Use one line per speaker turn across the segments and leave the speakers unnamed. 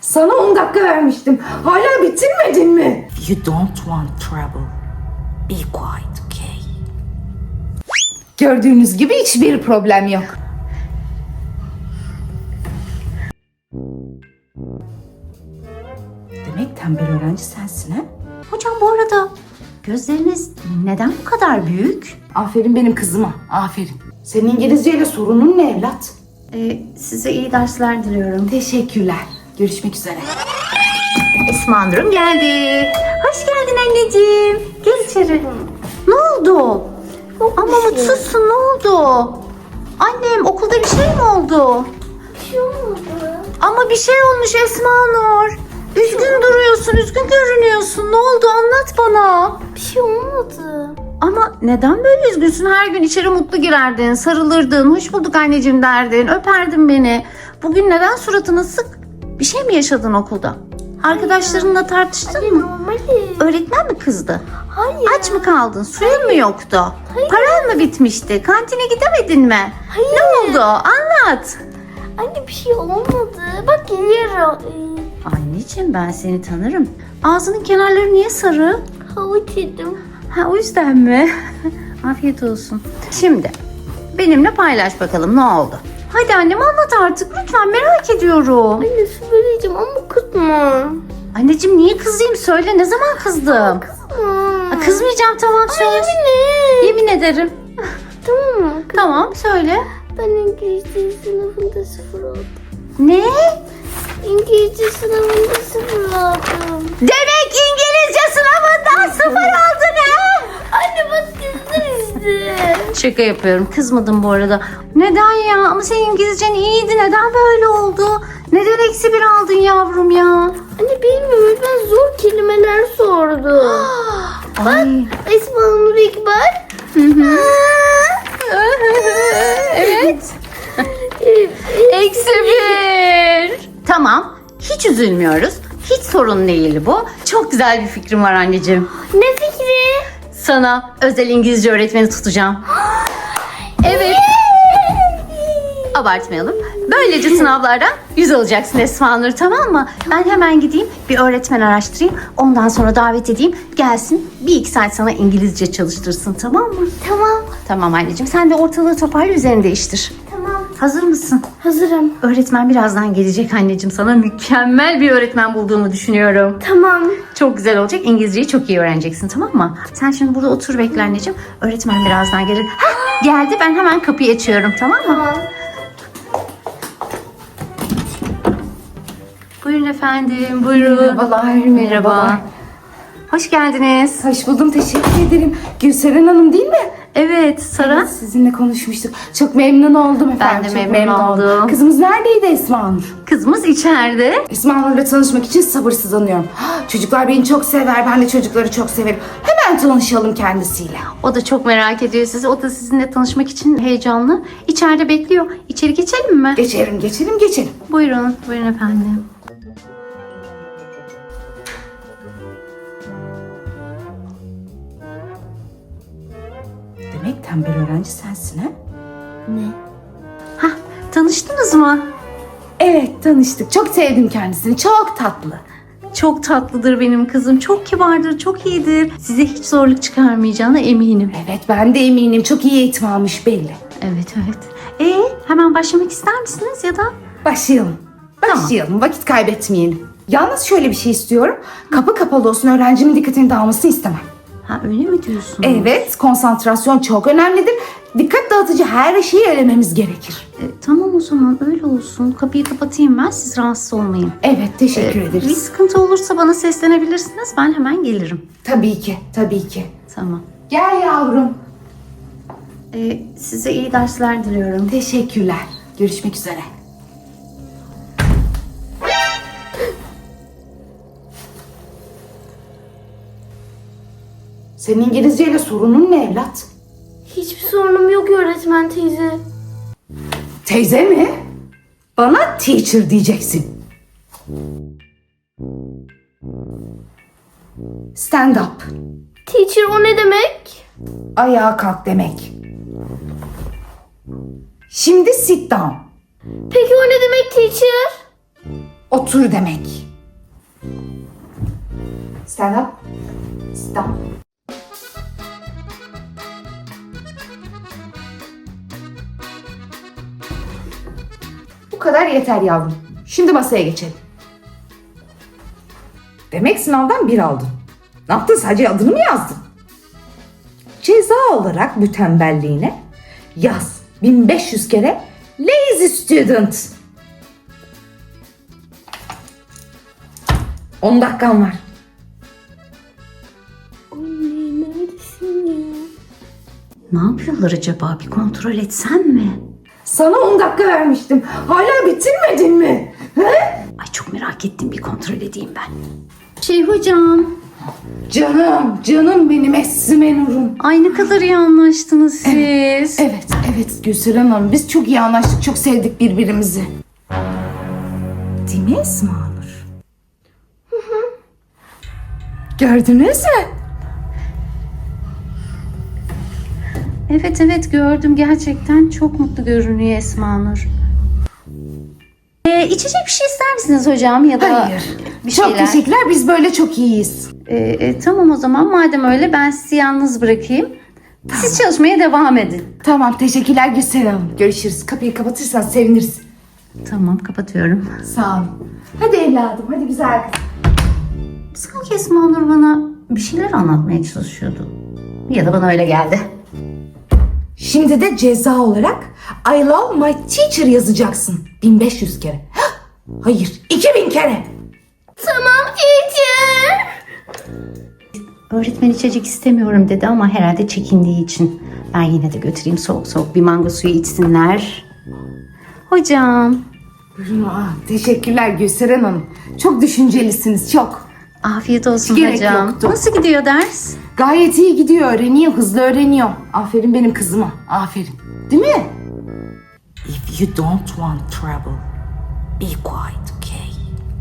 Sana 10 dakika vermiştim. Hala bitirmedin mi?
You don't want trouble. Be quiet, okay?
Gördüğünüz gibi hiçbir problem yok.
Demek tembel öğrenci sensin ha?
Hocam bu arada gözleriniz neden bu kadar büyük?
Aferin benim kızıma. Aferin. Senin İngilizceyle sorunun ne evlat?
Size iyi dersler diliyorum.
Teşekkürler. Görüşmek üzere.
Esma Nur'um geldi. Hoş geldin anneciğim. Gel içeri. Ne oldu? Ama mutsuzsun, ne oldu? Annem okulda bir şey mi oldu?
Bir şey olmadı.
Ama bir şey olmuş Esma Nur. Üzgün duruyorsun, üzgün görünüyorsun. Ne oldu anlat bana.
Bir şey olmadı.
Ama neden böyle üzgünsün? Her gün içeri mutlu girerdin, sarılırdın, hoş bulduk anneciğim derdin, öperdin beni. Bugün neden suratın asık? Bir şey mi yaşadın okulda? Arkadaşlarınla tartıştın mı?
Normali.
Öğretmen mi kızdı?
Hayır.
Aç mı kaldın? Suyun mu yoktu? Paran mı bitmişti? Kantine gidemedin mi?
Hayır.
Ne oldu? Anlat.
Anne bir şey olmadı. Bak geliyorum.
Anneciğim ben seni tanırım. Ağzının kenarları niye sarı?
Havuç yedim.
Ha o yüzden mi? Afiyet olsun. Şimdi benimle paylaş bakalım ne oldu? Hadi annem anlat artık lütfen merak ediyorum.
Anne söyleyeceğim ama kızma.
Anneciğim niye kızayım söyle ne zaman kızdım? Ha, kızmayacağım tamam söz.
Anne.
Yemin ederim.
Tamam mı?
Tamam söyle.
Ben İngilizce sınavında 0 oldum.
Ne?
İngilizce sınavında 0 oldum.
Demek İngilizce sınavından 0 aldın ha?
Anne bak kızdın işte.
Şaka yapıyorum kızmadım bu arada. Neden ya? Ama senin İngilizcen iyiydi. Neden böyle oldu? Neden eksi 1 aldın yavrum ya?
Anne bilmiyorum ben zor kelimeler sordum.
Ay.
Esma Nur İkbal.
Evet. Eksi 1. Tamam. Hiç üzülmüyoruz. Hiç sorun değil bu. Çok güzel bir fikrim var anneciğim.
Ne fikri?
Sana özel İngilizce öğretmeni tutacağım. Evet. Abartmayalım. Böylece sınavlardan 100 alacaksın Esma Nur, tamam mı? Ben hemen gideyim bir öğretmen araştırayım. Ondan sonra davet edeyim. Gelsin 1-2 saat sana İngilizce çalıştırsın, tamam mı?
Tamam.
Tamam anneciğim. Sen de ortalığı toparla, üzerini değiştir.
Tamam.
Hazır mısın?
Hazırım.
Öğretmen birazdan gelecek anneciğim. Sana mükemmel bir öğretmen bulduğumu düşünüyorum.
Tamam.
Çok güzel olacak. İngilizceyi çok iyi öğreneceksin, tamam mı? Sen şimdi burada otur bekle anneciğim. Öğretmen birazdan gelir. Hah, geldi. Ben hemen kapıyı açıyorum, tamam mı?
Tamam.
Buyurun efendim, buyurun.
Merhabalar, merhabalar.
Hoş geldiniz.
Hoş buldum, teşekkür ederim. Gülseren Hanım değil mi?
Evet, Sara.
Sizinle konuşmuştuk. Çok memnun oldum efendim.
de
çok
memnun oldum.
Kızımız neredeydi Esma Nur?
Kızımız içeride.
Esma Nur'la tanışmak için sabırsızlanıyorum. Çocuklar beni çok sever, ben de çocukları çok severim. Hemen tanışalım kendisiyle.
O da çok merak ediyor sizi. O da sizinle tanışmak için heyecanlı. İçeride bekliyor. İçeri geçelim mi?
Geçelim.
Buyurun, buyurun efendim.
Demek tembel öğrenci sensin ha?
Ne?
Hah, tanıştınız mı?
Evet, tanıştık. Çok sevdim kendisini, çok tatlı.
Çok tatlıdır benim kızım. Çok kibardır, çok iyidir. Size hiç zorluk çıkarmayacağına eminim.
Evet, ben de eminim. Çok iyi eğitim almış belli.
Evet, evet. Hemen başlamak ister misiniz ya da?
Başlayalım. Vakit kaybetmeyelim. Yalnız şöyle bir şey istiyorum. Kapı kapalı olsun, öğrencimin dikkatini dağılmasını istemem.
Ha öyle mi diyorsun?
Evet, konsantrasyon çok önemlidir. Dikkat dağıtıcı her şeyi elememiz gerekir.
Tamam o zaman öyle olsun. Kapıyı kapatayım ben, siz rahatsız olmayın.
Evet, teşekkür
Bir
ederiz.
sıkıntı olursa bana seslenebilirsiniz. Ben hemen gelirim.
Tabii ki.
Tamam.
Gel yavrum.
Size iyi dersler diliyorum.
Teşekkürler. Görüşmek üzere. Senin İngilizceyle sorunun ne evlat?
Hiçbir sorunum yok öğretmen teyze.
Teyze mi? Bana teacher diyeceksin. Stand up.
Teacher o ne demek?
Ayağa kalk demek. Şimdi sit down.
Peki o ne demek teacher?
otur demek. Stand up. Stand. Bu kadar yeter yavrum. Şimdi masaya geçelim. Demek sınavdan 1 aldın. Ne yaptın? Sadece adını mı yazdın? Ceza olarak bu tembelliğine yaz 1500 kere lazy student. 10 dakikan var.
Anne neredesin ya?
Ne yapıyorlar acaba? Bir kontrol etsem mi?
Sana 10 dakika vermiştim. Hala bitirmedin mi? He?
Ay çok merak ettim. Bir kontrol edeyim ben. Hocam.
Canım benim Esme Nur'um.
Ay ne kadar iyi anlaştınız siz.
Evet Gülseren Hanım. Biz çok iyi anlaştık. Çok sevdik birbirimizi. Değil mi Esma Nur? Gördünüz mü?
Evet gördüm. Gerçekten çok mutlu görünüyor Esma Nur. İçecek bir şey ister misiniz hocam ya da
Hayır.
bir
Çok
şeyler?
teşekkürler. Biz böyle çok iyiyiz.
Tamam o zaman madem öyle ben sizi yalnız bırakayım. Siz çalışmaya devam edin.
Tamam teşekkürler Gülseren Hanım. Görüşürüz. Kapıyı kapatırsan seviniriz.
Tamam kapatıyorum.
Sağ olun. Hadi evladım. Hadi güzel kız.
Sanki Esma Nur bana bir şeyler anlatmaya çalışıyordu. Ya da bana öyle geldi.
Şimdi de ceza olarak I love my teacher yazacaksın. 1500 kere. Hah! Hayır 2000 kere.
Tamam teacher.
Öğretmen içecek istemiyorum dedi ama herhalde çekindiği için. Ben yine de götüreyim soğuk bir mango suyu içsinler. Hocam.
Buyurun. Teşekkürler Gülseren Hanım. Çok düşüncelisiniz çok.
Afiyet olsun
Gerek
hocam.
yoktu.
Nasıl gidiyor ders?
Gayet iyi gidiyor. Öğreniyor. Hızlı öğreniyor. Aferin benim kızıma. Aferin. Değil mi?
If you don't want trouble, be quiet, okay?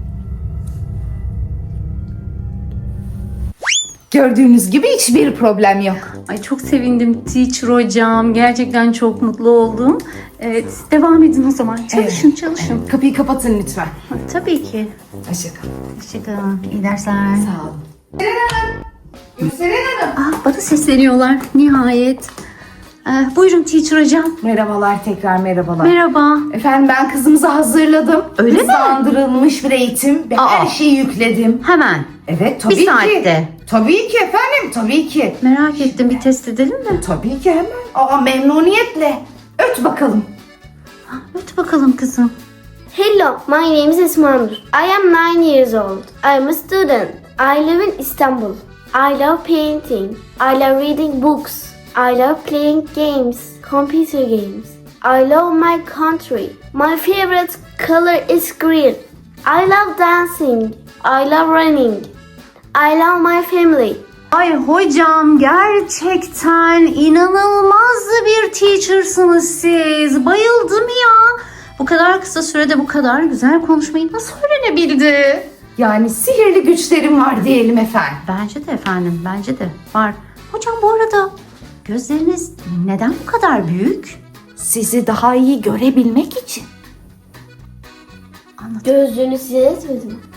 Gördüğünüz gibi hiçbir problem yok.
Ay çok sevindim teacher hocam. Gerçekten çok mutlu oldum. Siz devam edin o zaman. Çalışın.
Kapıyı kapatın lütfen.
Tabii ki.
Hoşçakalın.
Hoşçakalın. İyi dersler.
Sağ olun. Gülseren Hanım.
Bana sesleniyorlar nihayet. Buyurun teacher hocam.
Merhabalar tekrar merhabalar.
Merhaba.
Efendim ben kızımızı hazırladım.
Öyle mi?
Hızlandırılmış bir eğitim. Ben her şeyi yükledim.
Hemen.
Evet tabii
Bir saatte.
ki. Tabii ki efendim tabii ki.
Merak ettim bir test edelim mi?
Tabii ki hemen. Memnuniyetle. Öt bakalım.
Öt bakalım kızım.
Hello, my name is Esma Nur. I am 9 years old. I am a student. I live in Istanbul. I love painting. I love reading books. I love playing games, computer games. I love my country. My favorite color is green. I love dancing. I love running. I love my family.
Ay hocam gerçekten inanılmaz bir teachersınız siz. Bayıldım ya. Bu kadar kısa sürede bu kadar güzel konuşmayı nasıl öğrenebildi?
Yani sihirli güçlerim var diyelim efendim.
Bence de efendim, bence de var. Hocam bu arada gözleriniz neden bu kadar büyük?
Sizi daha iyi görebilmek için.
Gözlüğünü size etmedim.